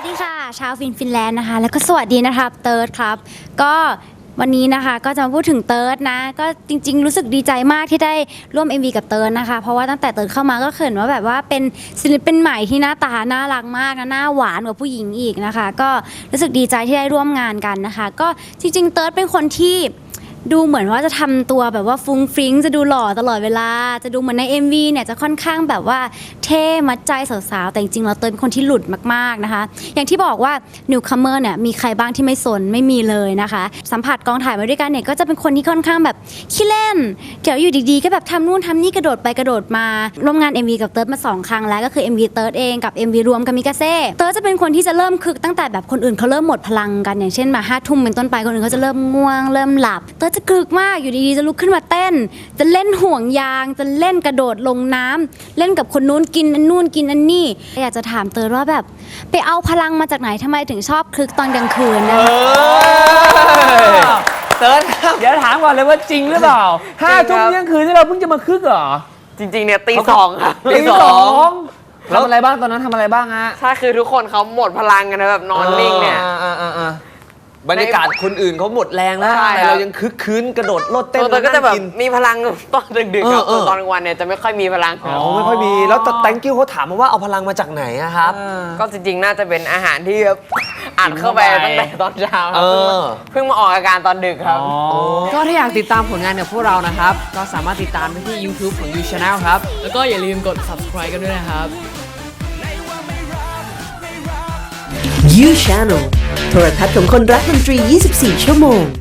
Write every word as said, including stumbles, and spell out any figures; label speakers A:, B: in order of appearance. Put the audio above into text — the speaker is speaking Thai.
A: ดีค่ะชาวฟินฟินแลนด์นะคะแล้วก็สวัสดีนะครับเติร์ดครับก็วันนี้นะคะก็จะมาพูดถึงเติร์ดนะก็จริงๆรู้สึกดีใจมากที่ได้ร่วม เอ็ม วี กับเติร์ดนะคะเพราะว่าตั้งแต่เติร์ดเข้ามาก็เขินว่าแบบว่าเป็นศิลปินใหม่ที่หน้าตาน่ารักมากนะหน้าหวานกว่าผู้หญิงอีกนะคะก็รู้สึกดีใจที่ได้ร่วมงานกันนะคะก็จริงๆเติร์ดเป็นคนที่ดูเหมือนว่าจะทำตัวแบบว่าฟุ้งฟริ้งจะดูหล่อตลอดเวลาจะดูเหมือนใน เอ็ม วี เนี่ยจะค่อนข้างแบบว่าเท่มัดใจสาวๆแต่จริงๆเราเติร์ดเป็นคนที่หลุดมากๆนะคะอย่างที่บอกว่า Newcomer เนี่ยมีใครบ้างที่ไม่สนไม่มีเลยนะคะสัมผัสกองถ่ายมาด้วยกันเนี่ยก็จะเป็นคนที่ค่อนข้างแบบขี้เล่นเดี๋ยวอยู่ดีๆก็แบบทำนู่นทำนี่กระโดดไปกระโดดมาร่วมงาน เอ็ม วี กับเติร์ดมาสองครั้งแล้วก็คือ เอ็ม วี เติร์ดเองกับ เอ็ม วี รวมกับมิกาเซ่เติร์ดจะเป็นคนที่จะเริ่มคึกตั้งแต่แบบคนอื่นเขาเริ่มหมดพลังกันอย่างเช่นมาห้าทุ่มเป็นต้นไปคนอื่นเขาจะเริ่มง่วงเริ่มหลับเติร์ดจะคึกมากอยู่ดีๆจะลุกขึ้นมาเต้นจะเล่นห่วงยางจะเล่นกระโดดลงน้ำเล่นกับคนนู้นกินอันนู่นกินอันนี่อยากจะถามเติร์ดว่าแบบไปเอาพลังมาจากไหนทำไมถึงชอบคึกตอนกลางคืนนะ
B: เติร์ดครับเดี๋ยวถามก่อนเลยว่าจริงหรือเปล่าห้าทุ่มเที่ยงคืนที่เราเพิ่งจะมาคึกเหรอ
C: จริงๆเนี่ยตีสองครับ
B: ตีสองทำอะไรบ้างตอนนั้นทำอะไรบ้างฮะ
C: ใช่คือทุกคนเขาหมดพลังกันนะแบบนอนนิ่งเนี่ย
B: บรรยากาศคนอื่นเขาหมดแรงแล้วแต่เรายังคึกคืนกระโดดโลดเต้น
C: ตัวก็จะแบบมีพลังตอนดึกๆครับตอนกลางวันเนี่ยจะไม่ค่อยมีพลัง
B: อ๋อไม่ค่อยมีแล้วแตงกิ้วเขาถามมาว่าเอาพลังมาจากไหนอะครับ
C: ก็จริงๆน่าจะเป็นอาหารที่อัดเข้าไปตั้งแต่ตอนเช้าเพิ่งมาออกอาการตอนดึกครับ
D: ก็ถ้าอยากติดตามผลงานของพวกเรานะครับก็สามารถติดตามได้ที่ YouTube ของ You Channel ครับแล้วก็อย่าลืมกด Subscribe กันด้วยนะครับ
E: You Channel โทรทัศน์ของคนรักดนตรี ยี่สิบสี่ ชั่วโมง